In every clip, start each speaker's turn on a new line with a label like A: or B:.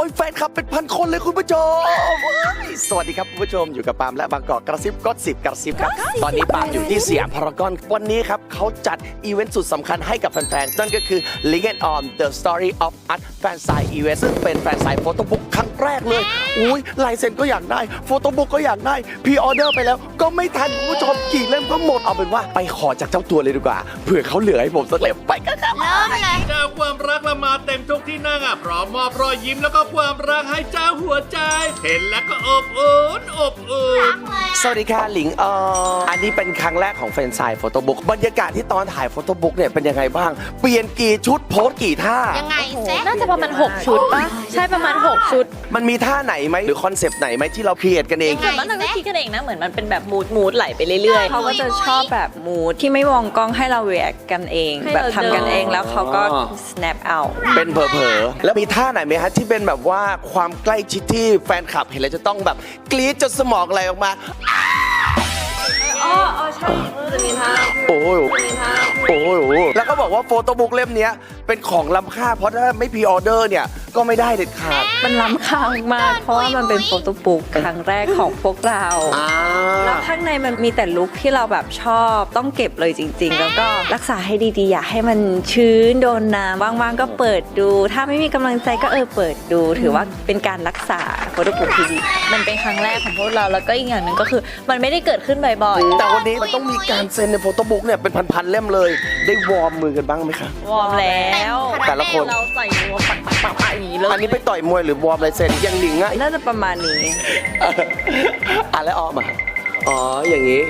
A: อ้ยแฟนคลับเป็นพันคนเลยคุณผู้ชมสวัสดีครับคุณผู้ชมอยู่กับปาล์มและบางกอกกระซิบก็10กระซิบครับตอนนี้ปาล์มอยู่ที่สยามพารากอนวันนี้ครับเขาจัดอีเวนต์สุดสำคัญให้กับแฟนๆนั่นก็คือ Link and On The Story of Us Fan Sign Event ซึ่งเป็นแฟนไซน์โฟโต้บุ๊กครั้งแรกเลยอุ้ยลายเซ็นก็อยากได้โฟโต้บุ๊กก็อยากได้พรีออเดอร์ไปแล้วก็ไม่ทันคุณผู้ชมกี่เล่มก็หมดเอาเป็นว่าไปขอจากเจ้าตัวเลยดีกว่าเผื่อเขาเหลือให้ผมสักเล่มไปกันครับ
B: เริ่มเลย
C: เจ้าความรักละมาเต็มทุกที่นั่งพร้อมมอบรอยยิ้มแล้วก็ความรักให้เจ้าหัวใจ เห็นแล้วก็อบอุ่นอบอุ่น
A: สวัสดีค่ะหลิงอันนี้เป็นครั้งแรกของแฟนไซน์โฟโต้บุ๊กบรรยากาศที่ตอนถ่ายโฟโต้บุ๊กเนี่ยเป็นยังไงบ้างเปลี่ยนกี่ชุดโพสกี่ท่า
B: ยังไงเซ็
D: น่าจะประมาณ6ชุดป่ะใช่ประมาณ6ชุด
A: มันมีท่าไหนไหมหรือคอนเซปต์ไหนไหมที่เราครีเอทกันเอง
D: ส่วนมากเราก็คิดกันเองนะเหมือนมันเป็นแบบมูดไหลไปเรื่อยๆ
E: เขาก็จะชอบแบบมูดที่ไม่มองกล้องให้เรา react กันเอง
D: ให้
E: แบบ
D: เรา
E: ทำกันเอง
D: เดิน
E: แล้วเขาก็ snap out
A: เป็นเผลอๆแล้วมีท่าไหนไหมฮะที่เป็นแบบว่าความใกล้ชิดที่แฟนคลับเห็นแล้วจะต้องแบบกรี๊ดจนสมองไหลออกมา
E: อ๋อใช่จะมีท่า
A: โอ้ยโอ้ยแล้วก็บอกว่าโฟโต้บุ๊กเล่มเนี้ยเป็นของล้ำค่าเพราะถ้าไม่พรีออเดอร์เนี่ยก็ไม่ได้เด็ดขาด
E: มันล้ำค่ามากเพราะว่ามันเป็นโฟโต้บุ๊กครั้งแรกของพวกเรา แล้วข้างในมันมีแต่ลุคที่เราแบบชอบต้องเก็บเลยจริงๆ แล้วก็รักษาให้ดีๆ อย่าให้มันชื้นโดนน้ำว่างๆก็เปิดดู ถ้าไม่มีกำลังใจก็เปิดดู ถือว่าเป็นการรักษาโฟโต้บุ๊กที่ดี
D: มันเป็นครั้งแรกของพวกเราแล้วก็อีกอย่างหนึ่งก็คือมันไม่ได้เกิดขึ้นบ่อย
A: แต่วันนี้มันต้องมีการเซ็นในโฟโต้บุ๊กเนี่ยเป็นพันๆเล่มเลย ได้วอร์มมือกันบ้างไหมคะ
D: ๆวอร์มแล้ว
A: แต่ละคน
D: เราใส่วอร์มปักๆอย่างนี้เลย
A: อันนี้ไปต่อยมวยหรือวอร์มลายเซ็นยังหลิงอะ
E: น่าจะประมาณนี้
A: อ่ะแล้วออมอ่ะอ๋ออย่างนี้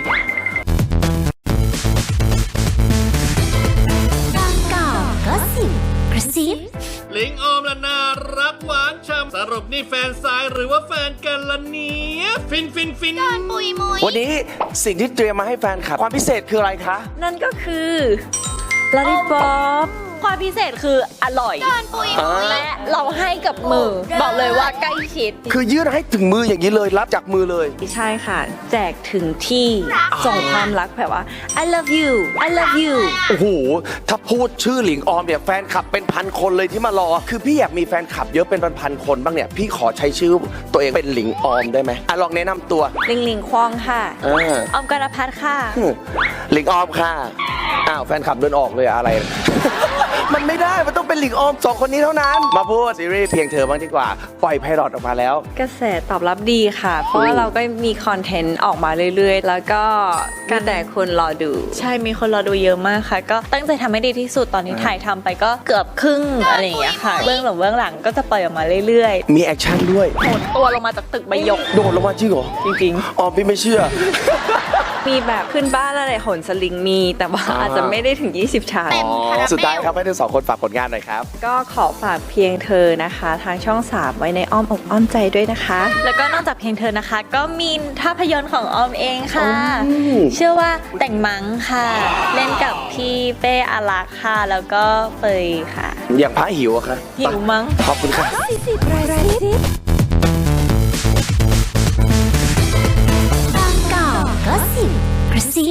B: บางกอกก็สิบกระซิบ
C: ลิงออมละน่ารักหวานช่ำสรุปนี่แฟนสายหรือว่าแฟนกันละเนี่ยฟิน
B: ปุยมุย
A: วันนี้สิ่งที่เตรียมมาให้แฟนคลับความพิเศษคืออะไรคะ
E: นั่นก็คือลาลิปอป
D: ความพิเศษคืออร่อย
B: เดินปุยมุย
D: และเราให้กับมือ บอกเลยว่าใกล้ชิด
A: คือยื่นให้ถึงมืออย่างนี้เลยรับจากมือเลย
E: ใช่ค่ะ แจกถึงที่ส่งความรักแบบว่า I love you I love you
A: โอ้โห ถ้าพูดชื่อหลิงออมเนี่ยแฟนคลับเป็นพันคนเลยที่มารอ คือพี่อยากมีแฟนคลับเยอะเป็นพันๆคนบ้างเนี่ย พี่ขอใช้ชื่อตัวเองเป็นหลิงออมได้ไหมอ่ะลองแนะนำตัว
E: ลิงลิงควองค่ะ
A: เออ
D: ออมกรพัฒน์ค่ะ
A: หลิงออมค่ะ อ้าวแฟนคลับเดินออกเลยอะไร มันไม่ได้ มันต้องเป็นหลิงออมสองคนนี้เท่านั้น มาพูดซีรีส์เพียงเธอบ้างดีกว่า ปล่อยไพลอตออกมาแล้ว
E: กระแสตอบรับดีค่ะ เพราะว่าเราก็มีคอนเทนต์ออกมาเรื่อยๆ แล้วก็แต่คนรอดู
D: ใช่มีคนรอดูเยอะมากค่ะ ก็ตั้งใจทำให้ดีที่สุดตอนนี้ถ่ายทำไปก็เกือบครึ่งอะไรอย่างเงี้ยค่ะเบื้องหลังก็จะปล่อยออกมาเรื่อย
A: มีแอคชั่นด้วย
D: ๆโหดตัวลงมาจากตึกใบหยก
A: โดดลงมาจริงเหรอ
D: จริง
A: ออมพี่ไม่เชื่อ
E: มีแบบขึ้นบ้านอะไรโหนสลิงมี แต่ว่าอาจจะไม่ได้ถึง 20 ชา
B: เต็มคาราเบล
A: สุดท้ายครับให้ทั้งสองคนฝากผลงานหน่อยครับ
E: ก็ขอฝากเพียงเธอนะคะ ทางช่อง 3 ไว้ในอ้อมอกอ้อมใจด้วยนะคะ
D: แล้วก็นอกจากเพลงเธอนะคะ ก็มีภาพยนตร์ของออมเองค่ะ
A: อืม
D: ชื่อว่าแต่งมังค่ะ เล่นกับพี่เป้อารักษ์ค่ะ แล้วก็เฟยค่ะ
A: อย่างพระหิวอะคะ
D: หิวมั้ง
A: ขอบคุณค่ะ
B: บางกอกก็สิบกระซิบ